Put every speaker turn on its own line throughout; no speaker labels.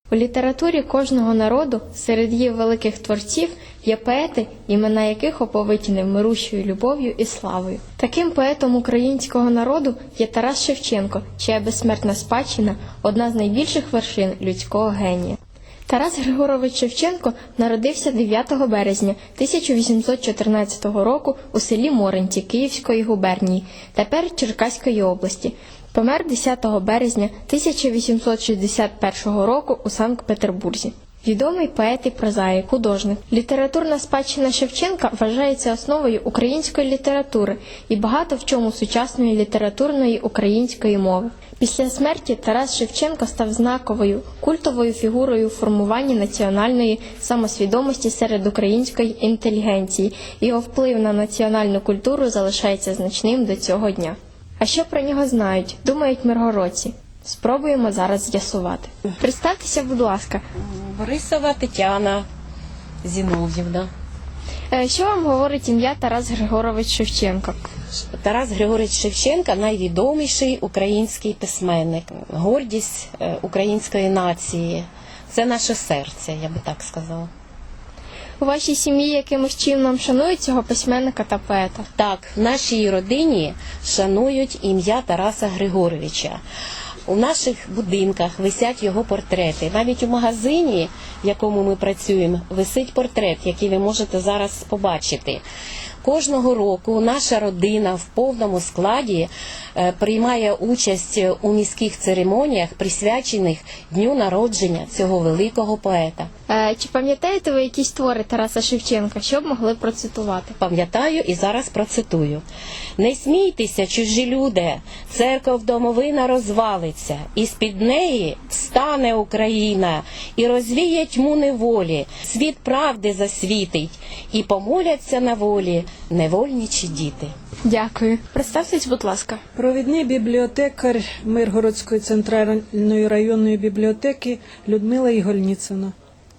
У літературі кожного народу серед її великих творців є поети, імена яких оповиті невмирущою любов'ю і славою. Таким поетом українського народу є Тарас Шевченко, чия безсмертна спадщина – одна з найбільших вершин людського генія. Тарас Григорович Шевченко народився 9 березня 1814 року у селі Моринці Київської губернії, тепер Черкаської області. Помер 10 березня 1861 року у Санкт-Петербурзі. Відомий поет і прозаїк, художник. Літературна спадщина Шевченка вважається основою української літератури і багато в чому сучасної літературної української мови. Після смерті Тарас Шевченко став знаковою, культовою фігурою у формуванні національної самосвідомості серед української інтелігенції. Його вплив на національну культуру залишається значним до цього дня. А що про нього знають, думають миргородці? Спробуємо зараз з'ясувати. Представтеся, будь ласка.
Борисова Тетяна Зінов'ївна.
Що вам говорить ім'я Тарас Григорович Шевченко?
Тарас Григорович Шевченко – найвідоміший український письменник, гордість української нації. Це наше серце, я би так сказала.
У вашій сім'ї якимось чином шанують цього письменника та поета?
Так, в нашій родині шанують ім'я Тараса Григоровича. У наших будинках висять його портрети. Навіть у магазині, в якому ми працюємо, висить портрет, який ви можете зараз побачити. Кожного року наша родина в повному складі приймає участь у міських церемоніях, присвячених дню народження цього великого поета.
Чи пам'ятаєте ви якісь твори Тараса Шевченка, що б могли процитувати?
Пам'ятаю і зараз процитую. «Не смійтеся, чужі люди, церков домовина розвалиться, і з-під неї встане Україна, і розвіє тьму неволі, світ правди засвітить, і помоляться на волі невольничі діти».
Дякую. Представтесь, будь ласка.
Провідний бібліотекар Миргородської центральної районної бібліотеки Людмила Ігольніцина.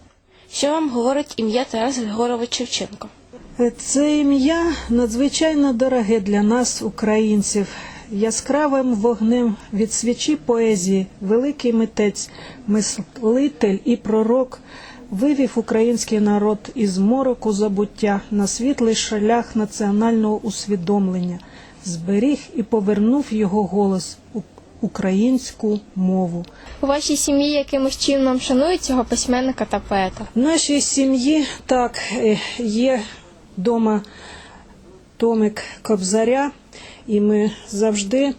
Що вам говорить ім'я Тарас Григорович Шевченко?
Це ім'я надзвичайно дороге для нас, українців. Яскравим вогнем від свічі поезії великий митець, мислитель і пророк вивів український народ із мороку забуття на світлий шлях національного усвідомлення, зберіг і повернув його голос у українську мову.
У вашій сім'ї якимось чином шанують цього письменника та поета?
В нашій сім'ї, так, є вдома томик Кобзаря, і ми завжди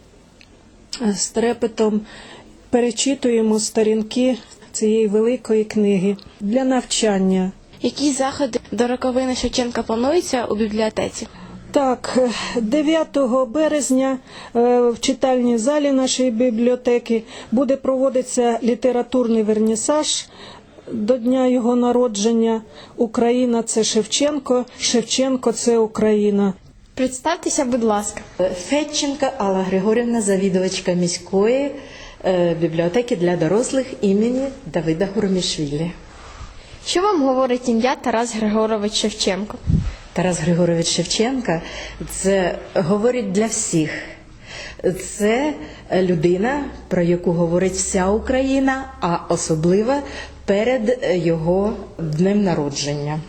з трепетом перечитуємо сторінки цієї великої книги для навчання.
Які заходи до роковини Шевченка плануються у бібліотеці?
Так, 9 березня в читальній залі нашої бібліотеки буде проводитися літературний вернісаж до дня його народження. Україна – це Шевченко, Шевченко – це Україна.
Представтеся, будь ласка.
Федченка Алла Григорівна, завідувачка міської бібліотеки для дорослих імені Давида Гуромішвілі.
Що вам говорить ім'я Тарас Григорович Шевченко?
Тарас Григорович Шевченка – це говорить для всіх. Це людина, про яку говорить вся Україна, а особливо перед його днем народження.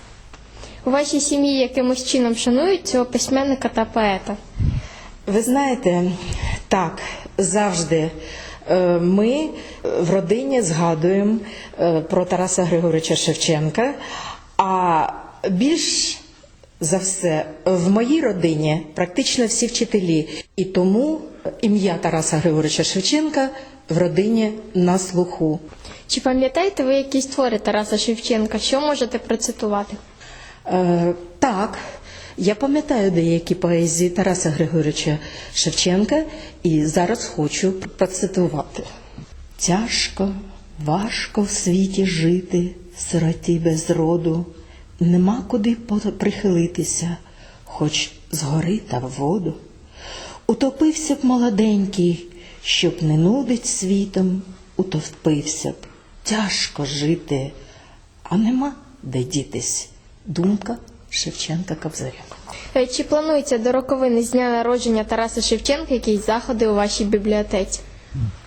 У вашій сім'ї якимось чином шанують цього письменника та поета?
Ви знаєте, так, завжди ми в родині згадуємо про Тараса Григоровича Шевченка, а більш за все в моїй родині практично всі вчителі. І тому ім'я Тараса Григоровича Шевченка в родині на слуху.
Чи пам'ятаєте ви якісь твори Тараса Шевченка? Що можете процитувати?
Так, я пам'ятаю деякі поезії Тараса Григоровича Шевченка і зараз хочу процитувати. «Тяжко, важко в світі жити, сироті без роду, нема куди прихилитися, хоч згори та в воду. Утопився б молоденький, щоб не нудить світом, утопився б, тяжко жити, а нема де дітись». Думка Шевченка Кобзаря.
Чи планується до роковини з дня народження Тараса Шевченка якісь заходи у вашій бібліотеці?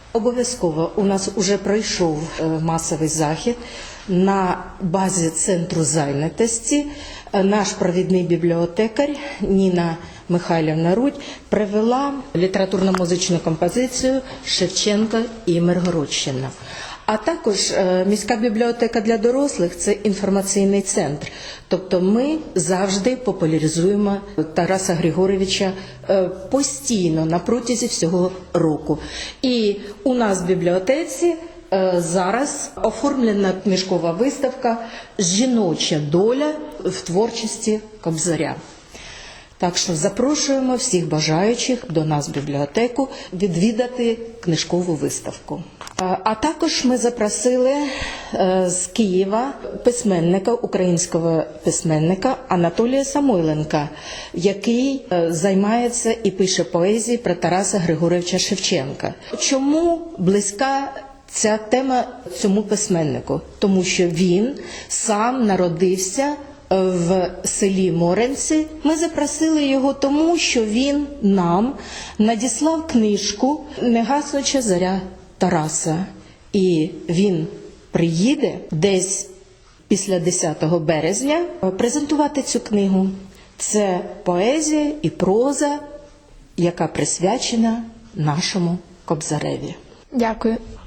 Обов'язково у нас вже пройшов масовий захід на базі центру зайнятості. Наш провідний бібліотекар Ніна Михайлівна Рудь привела літературно-музичну композицію «Шевченко і Миргородщина». А також міська бібліотека для дорослих – це інформаційний центр. Тобто ми завжди популяризуємо Тараса Григоровича постійно, на протязі всього року. І у нас в бібліотеці зараз оформлена книжкова виставка «Жіноча доля в творчості Кобзаря». Так що запрошуємо всіх бажаючих до нас в бібліотеку відвідати книжкову виставку. А також ми запросили з Києва письменника, українського письменника Анатолія Самойленка, який займається і пише поезії про Тараса Григоровича Шевченка. Чому близька ця тема цьому письменнику? Тому що він сам народився в селі Моренці. Ми запросили його тому, що він нам надіслав книжку «Негаснуча зоря Тараса». І він приїде десь після 10 березня презентувати цю книгу. Це поезія і проза, яка присвячена нашому Кобзареві.
Дякую.